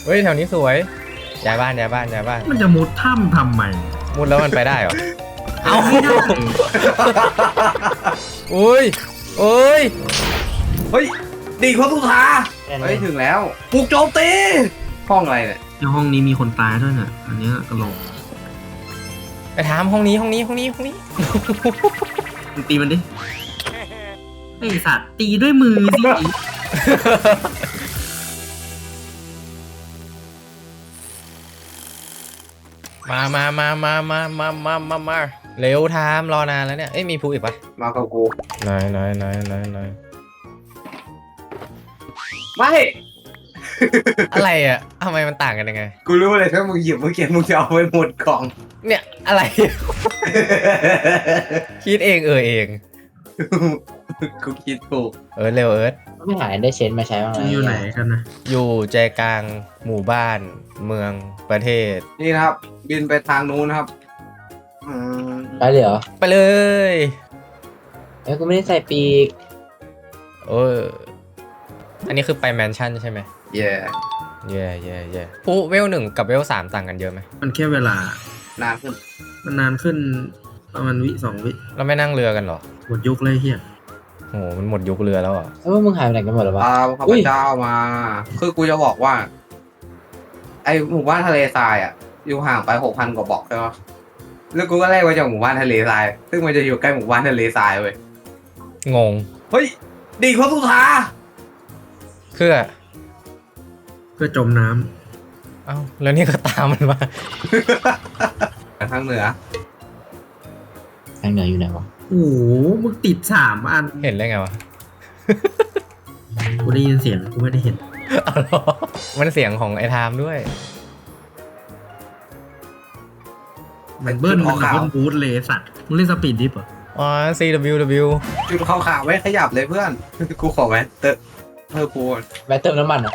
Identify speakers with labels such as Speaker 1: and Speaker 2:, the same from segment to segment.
Speaker 1: เฮ้ยแถวนี้สวยย้ายบ้านย้ายบ้านย้ายบ้าน
Speaker 2: มันจะมุดถ้ำทำไม
Speaker 1: มุดแล้วมันไปได้เหรอเอาอุ้ยโอ้ย
Speaker 3: เฮ้ยดีเขาสุธาเฮ้ยถึงแล้วปลุกโจมตีห้องอะไรเนี่ย
Speaker 2: ในห้องนี้มีคนตายด้วยเนี่ยอันนี้กระโหลก
Speaker 1: ไปถามห้องนี้ห้องนี้ห้องนี้ห้องนี้
Speaker 2: มึงตีมันดิไอสัตว์ตีด้วยมือสิ
Speaker 1: มาเร็วทามรอนานแล้วเนี่ยเอ้ยมีภูอีกปะ
Speaker 3: มากับกู
Speaker 1: นาย
Speaker 3: ไม่
Speaker 1: อะไรอ่ะทำไมมันต่างกันยังไง
Speaker 3: กูรู้เลยถ้ามึงหยิบเมื่อกี้มึงจะเอาไปหมดกล่อง
Speaker 1: เนี่ยอะไร คิดเองเอง
Speaker 3: กูคิดถูก
Speaker 1: เร็ว
Speaker 4: ไม่หายได้เชนมาใช้บ้างไหม
Speaker 2: อยู่ไหนกันนะ
Speaker 1: อยู่ใจกลางหมู่บ้านเมืองประเทศ
Speaker 3: นี่นะครับบินไปทางนู้นนะครับ
Speaker 4: ไปเลยเหรอ
Speaker 1: ไปเลย
Speaker 4: กูไม่ได้ใส่ปีก
Speaker 1: อันนี้คือไปแมนชั่นใช่ไหม
Speaker 3: เย่
Speaker 1: ภูเวล1กับเวล3ต่างกันเยอะไหม
Speaker 2: มันแค่เวลาน
Speaker 3: านขึ้น
Speaker 2: มันนานขึ้นประมาณวิ2 วิ
Speaker 1: เราไม่นั่งเรือกันหรอ
Speaker 2: หมดยุคเลยเฮีย
Speaker 1: โอ้มันหมดยุคเรือแล้วอ่ะ
Speaker 4: มึงหายไปไหนกันหมดหรอวะ
Speaker 3: ข้าพเจ้ามาคือกูจะบอกว่าไอหมู่บ้านทะเลทรายอ่ะอยู่ห่างไป6,000 กว่าบล็อกใช่ไหมแล้วกูก็ไล่มาจากหมู่บ้านทะเลทรายซึ่งมันจะอยู่ใกล้หมู่บ้านทะเลทรายเว้ย
Speaker 1: งง
Speaker 3: เฮ้ยดีเขาสุธา
Speaker 1: เพื่อ
Speaker 2: จมน้
Speaker 1: ำเอ้าแล้วนี่ก็ตามมันมา
Speaker 3: ทางเหนือ
Speaker 4: อยู่ไหนวะ
Speaker 2: โอ้โหมึงติด3 อัน
Speaker 1: เห็นได้ไงวะ
Speaker 2: กูได้ยินเสียงกูไม่ได้เห็น
Speaker 1: มันเสียงของไอ้ไทม์ด้วย
Speaker 2: มันเบิ้ลบูทเลยสัตว์มึงเล่นสปีดดิฟเหรอ
Speaker 1: อ๋อ CWW
Speaker 3: จุดขาวๆไว้ขยับเลยเพื่อนกูขอไว้เติมปูน
Speaker 4: แบตเติมน้ำมันอ่ะ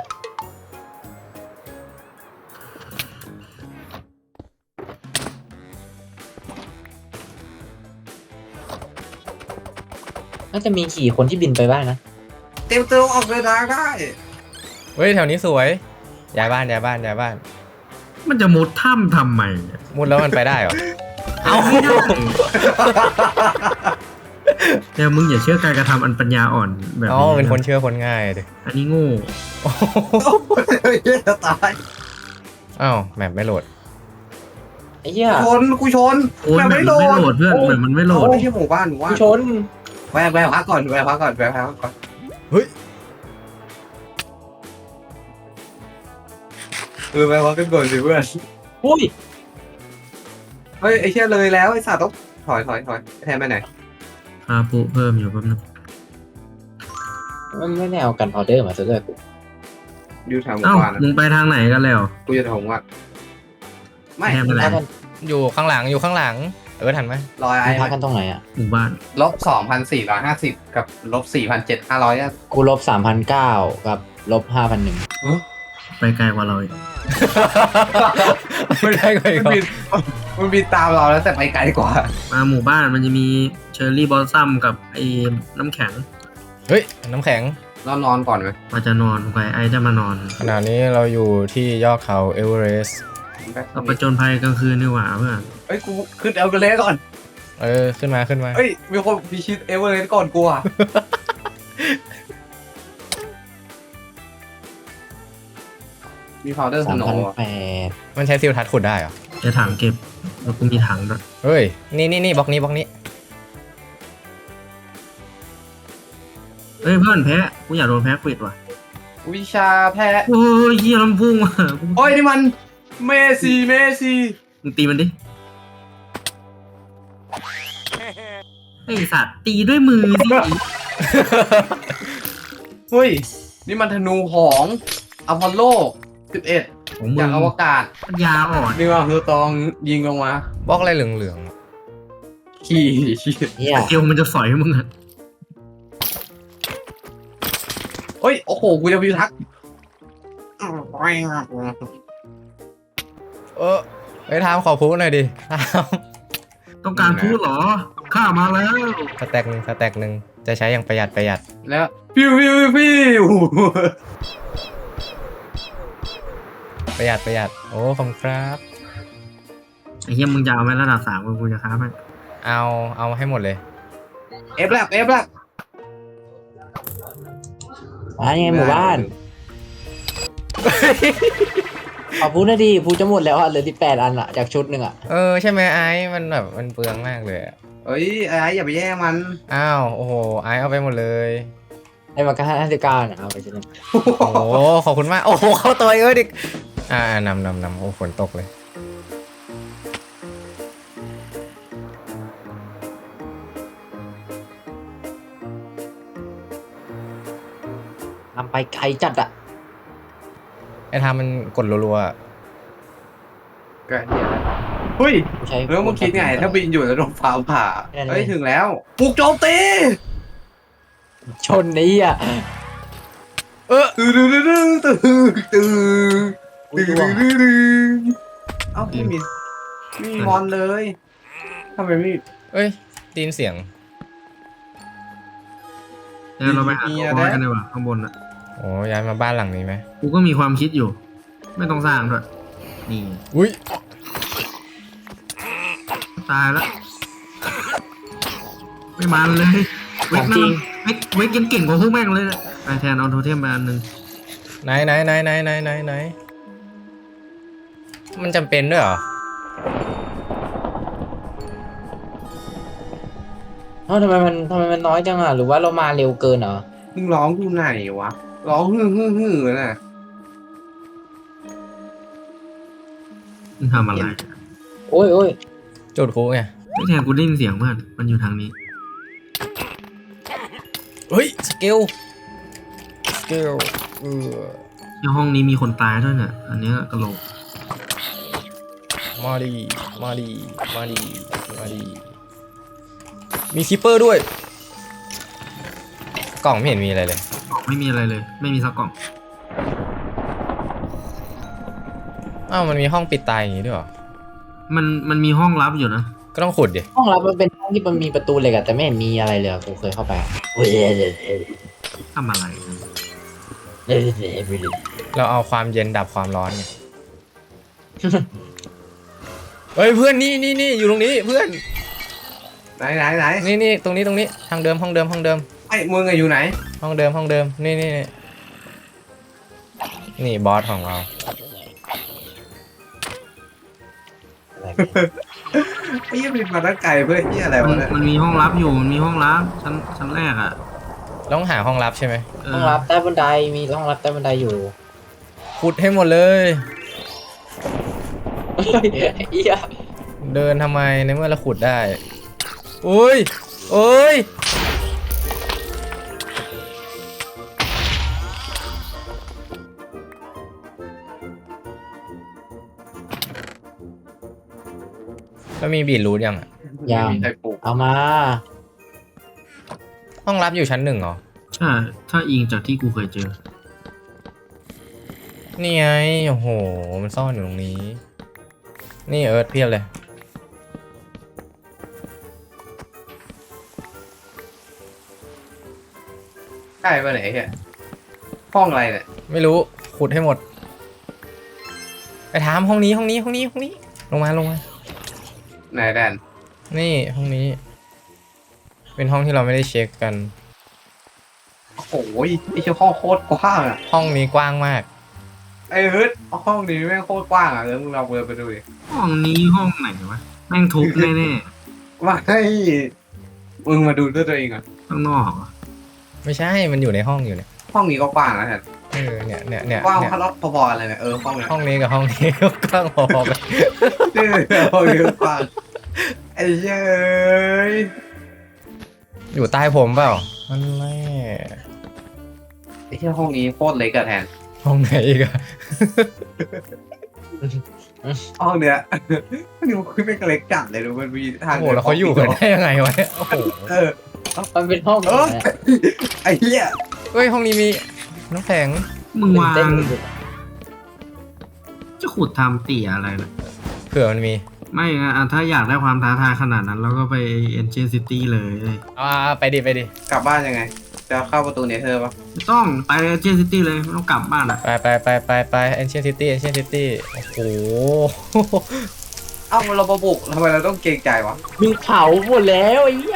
Speaker 4: น่าจะมีขี่คนที่บินไปบ้างนะ
Speaker 3: เต็มตัวออกเดินทางได้
Speaker 1: เฮ้ยแถวนี้สวยย้ายบ้านย้ายบ้านย้ายบ้าน
Speaker 2: มันจะมุดถ้ำทำไม
Speaker 1: มุดแล้วมันไปได้เหรอเอา
Speaker 2: เดี๋ยวมึงอย่าเชื่อการกระทำอันปัญญาอ่อนแบบนี้
Speaker 1: เป็นคนเชื่อคนง่ายดิ
Speaker 2: อันนี้โง่
Speaker 3: จะตาย
Speaker 1: อ้าวแมปไม่โหลด
Speaker 4: ไอ้เหี้ย
Speaker 3: กูชน
Speaker 2: แมปไม่โหลดเพื่อนแมปมันไม่โหลด
Speaker 3: ไม่ใช่หมู่บ้าน
Speaker 4: กูชน
Speaker 3: แวะพักก่อน
Speaker 1: เฮ้ย
Speaker 3: แวะพักกันก่อนสิเพื่อน
Speaker 4: อุ้ย
Speaker 3: เฮ้ยไอ้เชี่ยเลยแล้วไอ้สัตว์ต้องถอยแทนไปไหน
Speaker 2: ปูเพิ่มอยู่แป๊บนึง
Speaker 4: มันไม่ได้เอากันพาวเดอร์มาซะด้วยกู
Speaker 3: อยู่แถวหมู่บ้าน
Speaker 2: มึงไปทางไหนกันแล้ว
Speaker 3: กูจะถงว่าไม่
Speaker 1: อยู่ข้างหลังทันไหม
Speaker 3: รอยไอ้
Speaker 4: พักกันตรงไหนอ่ะ
Speaker 2: หมู่บ้าน
Speaker 3: -2,450กับ-4,700
Speaker 4: กู-3,900กับ-5,100
Speaker 2: ไปไกลกว่าเราอีก
Speaker 1: ไม่ได้ไง
Speaker 3: มันบินตามเราแล้วแต่ไปไกลกว่า
Speaker 2: มาหมู่บ้านมันจะมีเชอร์รี่บอลซัมกับไอ้น้ำแข็ง
Speaker 1: เฮ้ยน้ำแข็ง
Speaker 3: นอนก่อนไหม
Speaker 2: มาจะนอนไปไอ้จะมานอน
Speaker 1: ขณะนี้เราอยู่ที่ยอดเขาเอเวอเรสต์
Speaker 2: เราไปจนภัยกลางคืนดีกว่าเพื่อน
Speaker 3: เฮ้ยกูขึ้นเอเวอเรสต์ก่อน
Speaker 1: ขึ้นมา
Speaker 3: เฮ้ยมีคนพิชิตเอเวอเรสต์ก่อนกูอ่ะมีพาวเดอร์สโนว์
Speaker 1: มันใช้ซิลทัชขุดได้เหรอ
Speaker 2: จะถังเก็บแล้วกูมีถังด้วย
Speaker 1: เฮ้ยนี่บล็อกนี้
Speaker 2: เฮ้ยเพื่อนแพ้กูอยากโดนแพ้ควิดว่ะ
Speaker 3: วิชาแพ้
Speaker 2: โอ้ยเยี่ยลำพุ่งว่ะ
Speaker 3: โอ้ยนี่มันเมซี่
Speaker 2: มึงตีมันดิไอสัตว์ตีด้วยมือสิ
Speaker 3: เฮ้ยนี่มันธนูของอพอลโล11จากอวกาศ
Speaker 2: ยาอ่อน
Speaker 3: นี่ว่าคือตองยิงลงมา
Speaker 1: บล็อกอะไรเหลือง
Speaker 3: ขี้
Speaker 2: เกียวมันจะสอยมึงอะ
Speaker 3: เฮ้ยโอ้โหกูจะพิทักษ์
Speaker 1: ไปทำขอพูดหน่อยดิ
Speaker 2: ต้องการพูดเหรอข้ามาแล้ว
Speaker 1: สแต็กหนึ่งจะใช้อย่างประหยัด
Speaker 3: แล้วพิว
Speaker 1: ประหยัดประหยัดโอ้ขอบคุณครับ
Speaker 2: ไอ้เหี้ยมึงจะเอาไหมระดับ3กูจะค้าไป
Speaker 1: เอาให้หมดเลย
Speaker 3: เอฟแล้ว
Speaker 4: ยังไงหมู่บ้านขอพูดนะดิพูดจะหมดแล้วอ่ะเหลือ18 อันอ่ะจากชุดหนึ่งอ่ะ
Speaker 1: ใช่ไหมไอ้มันแบบมันเปลืองมากเลยอะ
Speaker 3: เอ้ยไอ้อย่าไปแย่งมัน
Speaker 1: อ้าวโอ้โหไอ้เอาไปหมดเลย
Speaker 4: ไอ้มันก็59นะเอาไปชุดหนึง
Speaker 1: โอ้โหขอบคุณมากโอ้โหเข้าตัวเอ้ยดินำโอ้ฝนตกเลย
Speaker 4: นำไปไกลจัดอ่ะ
Speaker 1: ไอ้ทามันกดรัวๆอะ
Speaker 3: ก็เหี้ยแล้วเฮ้ย
Speaker 4: ใช้
Speaker 3: แล้วมึงคิดไงถ้าบินอยู่แล้วโดนฟ้าผ่า
Speaker 4: แน่นอน
Speaker 3: เฮ้ยถึงแล้วปลุกโจมตี
Speaker 4: ชนนี้อ่ะ
Speaker 3: ตื่นเอ้าไม่มีมอนเลยทำไมไม่
Speaker 1: เอ้ยได้ยินเสียง
Speaker 2: เดี๋ยวเราไปหาตัวบอสกันดีกว่าข้างบนอ่ะ
Speaker 1: โอ้ย้ายมาบ้านหลังนี้ไหม
Speaker 2: กูก็มีความคิดอยู่ ไม่ต้องสร้างด้วยนี่
Speaker 1: อุ้ย
Speaker 2: ตายแล้วไม่มันเลยเวกนั่นเวกยังเก่งกว่าพวกแม่งเลยนะไอแทนเอาโทเทมไปอันหนึ่ง
Speaker 1: ไหนมันจำเป็นด้วยเหรอ
Speaker 4: ทำไมมันน้อยจังอ่ะหรือว่าเรามาเร็วเกินเหรอ
Speaker 3: มึงร้องอยู่ไหนวะร้องฮือน่ะ
Speaker 2: มึงทำอะไร
Speaker 4: โอ้ย
Speaker 1: จุดคุไง
Speaker 2: ไอแทนกูได้ยินเสียงเพื่อนมันอยู่ทางนี้
Speaker 1: เฮ้ยสเกล
Speaker 2: ในห้องนี้มีคนตายด้วยเนี่ยอันเนี้ยกระโหลก
Speaker 1: มาดีมีคิปเปอร์ด้วย กล่องไม่เห็นมีอะไรเลย
Speaker 2: ไม่มีอะไรเลย ไม่มีสักกล่อง
Speaker 1: อ้าวมันมีห้องปิดตายอย่างงี้ด้วยเหรอ
Speaker 2: มันมีห้องลับอยู่นะ
Speaker 1: ก็ต้องขุดดิ
Speaker 4: ห้องรับมันเป็นห้องที่มันมีประตูเหล็กอะแต่ไม่เห็นมีอะไรเลยอะกูเคยเข้าไปอะเฮ้ย
Speaker 2: ทำอะไร
Speaker 1: เราเอาความเย็นดับความร้อนไง เฮ้ยเพื่อนนี่อยู่ตรงนี้เพื่อน
Speaker 3: ไหน
Speaker 1: นี่ตรงนี้ทางเดิมห้องเดิม
Speaker 3: ไอ้มึงอะอยู่ไหน
Speaker 1: ห้องเดิมนี่บอสของเรา
Speaker 3: ไอ้ยังมีมาตั้งไกลเพื่อที่อะไรวะเนี่ย
Speaker 2: มันมีห้องลับอยู่มันมีห้องลับชั้นแรกอ่ะ
Speaker 1: ต้องหาห้องลับใช่ไหม
Speaker 4: ห้องรับใต้บันไดมีห้องรับใต้บันไดอยู่
Speaker 1: ขุดให้หมดเลย
Speaker 4: เฮ้ยเหี้ย
Speaker 1: เดินทำไมในเมื่อเราขุดได้โอ้ยแล้วมีบีทรูทยังอะ
Speaker 4: ยัง
Speaker 3: มีใครปลูก
Speaker 4: เอามา
Speaker 1: ห้องลับอยู่ชั้น 1เหรอ
Speaker 2: ใช่ถ้าอิงจากที่กูเคยเจอ
Speaker 1: นี่ไงโอ้โหมันซ่อนอยู่ตรงนี้ นี่เอิร์ธเพียบเลย
Speaker 3: ใช่ปะไหนเฮียห้องอะไรเนี่ย
Speaker 1: ไม่รู้ขุดให้หมด ไปถามห้องนี้ลงมา
Speaker 3: ไหนแดน
Speaker 1: นี่ห้องนี้ เป็นห้องที่เราไม่ได้เช็คกัน
Speaker 3: โอ้ยไอ้เชี่ยห้องโคตรกว้างอะ
Speaker 1: ห้องนี้กว้างมาก
Speaker 3: ไอ้เฮ้ยห้องนี้แม่งโคตรกว้างอะมึงลองเดินไปดูดิ
Speaker 2: ห้องนี้ห้องไหนวะแม่งทุบแน่
Speaker 3: ว่าให้มึงมาดูด้วยตัวเองอะ
Speaker 2: ๆข้างนอกอะ
Speaker 1: ไม่ใช่มันอยู่ในห้องอยู่เนี่ย
Speaker 3: ห้องนี้ก็กว้างนะแทน
Speaker 1: เนี่ย
Speaker 3: กว้างพอๆกันเลยเนี่ยห้องเนี้ย
Speaker 1: ห้องนี้กับห้องนี้ ก็กว้างพอๆกัน
Speaker 3: ห้องนี้ก็กว้างไอ้เย้ย
Speaker 1: อยู่ใต้ผมเปล่านั่นแหละ
Speaker 3: ไอ้เชี่ยห้องนี้โคตรเล็กอะแทน
Speaker 1: ห้องไหนอีกอะ
Speaker 3: ห้องเนี้ยนี่มันคือไม่เล็กจัดเลยดูมันมีทาง
Speaker 1: โอ้โหแล้วเขาอยู่กันได้ยังไงวะเนี่ยโอ้โห
Speaker 3: เออ
Speaker 4: มันเป็นห้อง
Speaker 3: เออไอ้เหี้ย
Speaker 1: เฮ้ยห้องนี้มีน้ำแข็ง
Speaker 2: มึงวาง
Speaker 4: เต้น
Speaker 2: จะขุดทำเตี่ยอะไรนะ
Speaker 1: เผื่อมันมี
Speaker 2: ไม่อะถ้าอยากได้ความท้าทายขนาดนั้นเราก็ไปเอ็นเจนซิตี้เลย
Speaker 1: ไปดิ
Speaker 3: กลับบ้านยังไง ไปจะเข้าประตูเนเธอร์ปะ
Speaker 2: ไม่ต้องไปเจนซิตี้เลยไม่ต้องกลับบ้านอ่ะ
Speaker 1: ไปเอนเชียนซิตี้โอ้โห
Speaker 3: เอ้าเรามาบุกทำไมเราต้องเกรงใจวะ
Speaker 4: มึงเผาหมดแล้วไอ้เหี้ย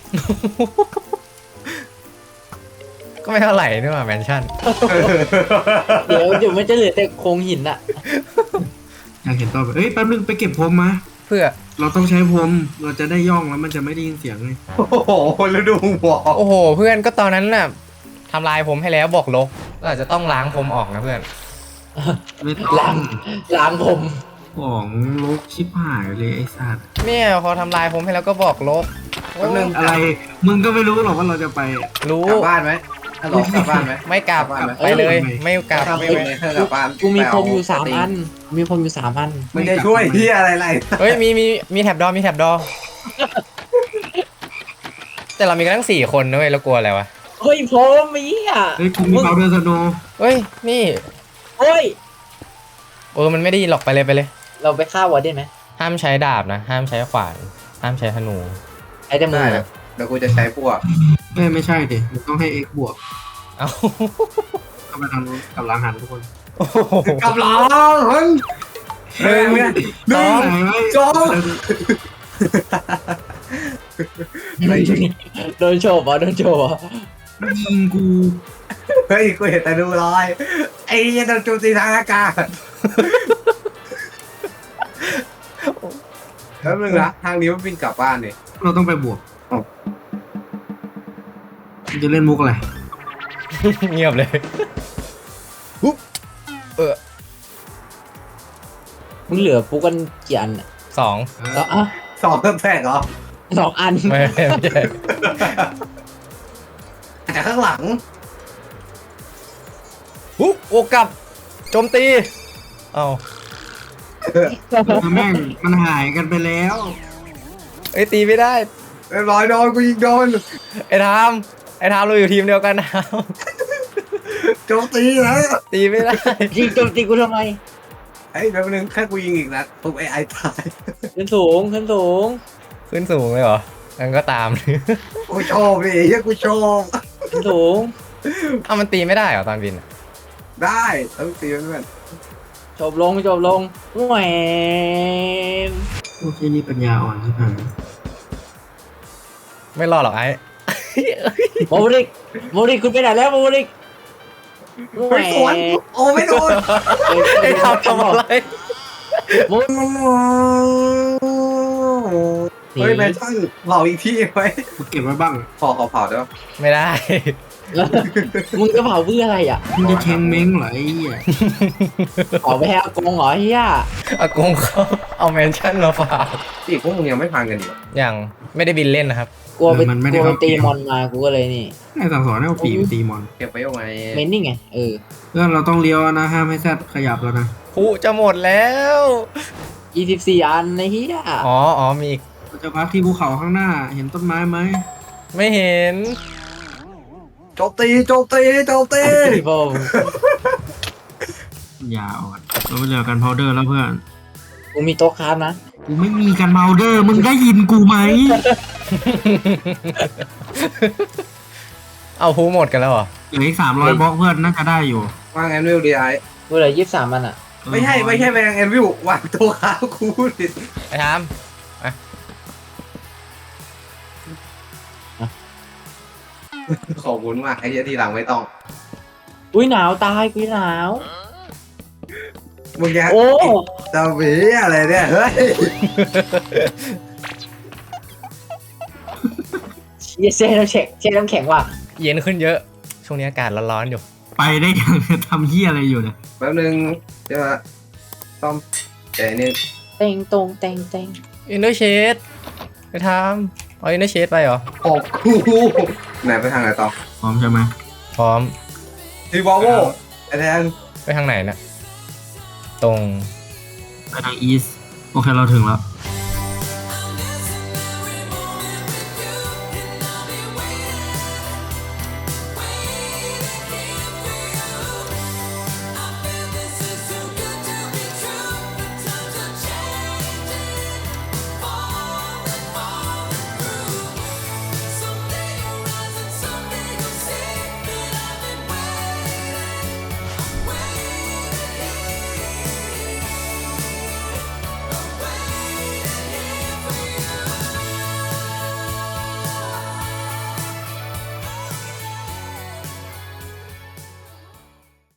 Speaker 1: ก็ไม่เท่าไหร่นี่หว่าแมนชั่น
Speaker 4: เดี๋ยวมันจะเหลือแต่โครงหินอะ
Speaker 2: อยากเห็นต่อไปเอ้ยแป๊บนึงไปเก็บพรมมา
Speaker 1: เพื่อ
Speaker 2: เราต้องใช้พรมเราจะได้ย่องแล้วมันจะไม่ได้ยินเสียงเลย
Speaker 3: โอ้โหแล้วดูหัว
Speaker 1: โอ้โห เพื่อนก็ตอนนั้นน่ะทำลายผมให้แล้วบอกลบก็อาจจะต้องล้างผมออกนะเพื่อน
Speaker 2: ไม่ต้อง
Speaker 4: ล้างผม
Speaker 2: ของลกชิบหายเลยไอ้สัตว์
Speaker 1: เนี่ยพอทำลายผมให้แล้วก็บอกลบ
Speaker 3: แป๊บนึง
Speaker 2: อะไรมึงก็ไม่รู้หรอกว่าเราจะไป
Speaker 1: รู้
Speaker 3: กลับบ้านไหมฮัลโหลกลับบ้านไหม
Speaker 1: ไม่กลับ
Speaker 3: กลับบ้านไหม
Speaker 1: ไปเลย ไม่กลับ
Speaker 3: ถ้า
Speaker 1: ไม่
Speaker 3: ไม่
Speaker 1: ไป
Speaker 3: เนเธอร์กลับบ้าน
Speaker 4: กูมีพรมอยู่
Speaker 3: ไปเ
Speaker 4: 3 อัน มีพรมอยู่3 อัน
Speaker 3: มึงจะช่วยที่อะไร
Speaker 1: เฮ้ยมีแท็บดอมีแท็บดอแต่เรามีกันทั้ง4 คนนะเว้ยแล้วกลัวอะไรวะ
Speaker 4: เฮ้ยพรมไอ้เหี้ย
Speaker 2: เฮ้ยกูมีเบาเดอร์สโน
Speaker 1: เฮ้ยนี่
Speaker 4: เฮ้ย
Speaker 1: มันไม่ได้ยินหรอกไปเลย
Speaker 4: เราไปฆ่าวอร์เดนไหม
Speaker 1: ห้ามใช้ดาบนะ ห้ามใช้ขวานห้ามใช้ธนู
Speaker 4: ไอ้แต่มื
Speaker 3: ได้
Speaker 4: อ
Speaker 3: นะเดี๋ยวกูจะใช้พวก
Speaker 2: ไม่ใช่ดิมันต้องให้ x บวก
Speaker 1: เอ้า
Speaker 2: เข้าไปทางนู้นกับหลังหันทุกคน
Speaker 1: โอ้โห
Speaker 3: กับหลังหนึ่ง
Speaker 1: สอง
Speaker 3: สอง
Speaker 4: โดนโฉบเหรอโดนโฉบเหรอ
Speaker 2: ยิงกู
Speaker 3: เฮ้ยกูเห็นแต่ดูรอยไอ้ยันโดนโจมตีทางอากาศแล้วนึงนะทางนี้มันบินกลับบ้านนี่
Speaker 2: เราต้องไปบวกมึงจะเล่นมุกอะไร
Speaker 1: เงียบเลยปุ๊บ
Speaker 4: มึงเหลือปุ๊กกันกี่อันอะ
Speaker 1: 2
Speaker 4: แล้วอ่ะ
Speaker 3: สองแตกเหรอ
Speaker 4: 2 อัน
Speaker 1: ไม่ใช่
Speaker 3: แต่ข้างหลัง
Speaker 1: ปุ๊บโอกลับโจมตีเอ้า
Speaker 2: แม่งมันหายกันไปแล้ว
Speaker 1: เอ้ยตีไม่ได้
Speaker 3: เรียบร้อยโดนกูยิงโดน
Speaker 1: ไอ้ทามเราอยู่ทีมเดียวกันนะ
Speaker 3: โจมตีแล้ว
Speaker 1: ตีไม่ได้
Speaker 4: ยิงโจมตีกูทำไม
Speaker 3: ไอ้แป๊บนึงแค่กูยิงอีกนัดปุ๊บไอ้ตาย
Speaker 4: ขึ้นสูง
Speaker 1: ขึ้นสูงเลยเหรองั้นก็ตาม
Speaker 3: กูชอบดิเฮ้ยกูชอบ
Speaker 4: ขึ้นสูง
Speaker 1: เอามันตีไม่ได้เหรอตอนบินอะ
Speaker 3: ได้ต้องตีมัน
Speaker 4: จบลงแหวน
Speaker 2: โอเคนี่ปัญญาอ่อนใช่ไหม
Speaker 1: ไม่รอดหรอกไอ้
Speaker 4: โมริกคุณไปไหนแล้วโมริกแหว
Speaker 3: ไม่สวน
Speaker 4: น
Speaker 3: โอ้ไม่โดน
Speaker 1: ไอ้ทามทำอะไร
Speaker 4: โมริก
Speaker 3: เฮ้ยแมนชั่นเผาอีกที่ไหม
Speaker 2: กูเก็บไว้บ้าง
Speaker 3: ขอเผาได้ปะ
Speaker 1: ไม่ได้
Speaker 4: มึงจะเผาเพื่ออะไรอ่ะ
Speaker 2: มึงจะเชงเม้งเหรอไอ้เหี้ย
Speaker 4: เผาไปให้อากงเหรอเฮีย
Speaker 1: อากงเขาเอาแมนชั่นมาฝาก
Speaker 3: อีกพวกมึงยังไม่พังกันอีกเหรอ
Speaker 1: อย่างไม่ได้บินเล่นนะครับ
Speaker 4: กลัวไปตีมอนมากูก็เลยนี่
Speaker 2: ไอ้สั่งสอนให้เอาปีไปตีมอน
Speaker 3: เก็บไว้ยังไง
Speaker 4: เมนนี่ไงเออ
Speaker 2: เพื่อนเราต้องเลี้ยวนะห้ามให้แซดขยับแล้วนะ
Speaker 1: ผู้จะหมดแล้ว
Speaker 4: 24 อันในเฮีย
Speaker 1: อ๋อมีอีก
Speaker 2: เราจะพักที่ภูเขาข้างหน้าเห็นต้นไม้ไหม
Speaker 1: ไม่เห็น
Speaker 3: โจมตี
Speaker 4: พี่ผม
Speaker 2: อย่าอ่อนเราไปเหลือกันพาวเดอร์แล้วเพื่อน
Speaker 4: กูมีโต๊ะคราฟนะ
Speaker 2: กูไม่มีกันพาวเดอร์มึงได้ยินกูไหม
Speaker 1: เอาผู้หมดกันแล้วเหรอ
Speaker 2: เหลืออีก300บล็อกเพื่อนน่าจะได้อยู่
Speaker 3: วางแอนวิลดีไอ
Speaker 4: กูเหลือ23 อันอ่ะ
Speaker 3: ไม่ใช่แมงแอนวิลวางตัวขาคูดิ
Speaker 1: ไอ้ทาม
Speaker 3: ขอบคุณมากไอ้เหี้ยทีหลังไม่ต้อง
Speaker 4: อุ้ยหนาวตายกูหนาว
Speaker 3: มึงแก
Speaker 4: โอ้
Speaker 3: ตาหวีอะไรเนี่ยเฮ้ย
Speaker 4: เช่น้ำแข็งว่ะ
Speaker 1: เย็นขึ้นเยอะ ช่วงนี้อากาศร้อนๆอยู่
Speaker 2: ไปได้ยังทำเหี้ยอะไรอยู่เนี่ย
Speaker 3: แป๊บนึงจะมาซ่อมแต่นี่
Speaker 4: เต็งตรงเต็ง
Speaker 1: อินเดอร์เชดไปทามเอาอินเดอร์เชดไปเหรอ
Speaker 3: ออกคูไหนไปทางไหนต่อ
Speaker 2: พร้อมใช่ไหม
Speaker 1: พร้อม
Speaker 3: ทีวอลโวไอ้แทน
Speaker 1: ไปทางไหนนะตรง
Speaker 2: ไปทางอีสโอเคเราถึงแล้ว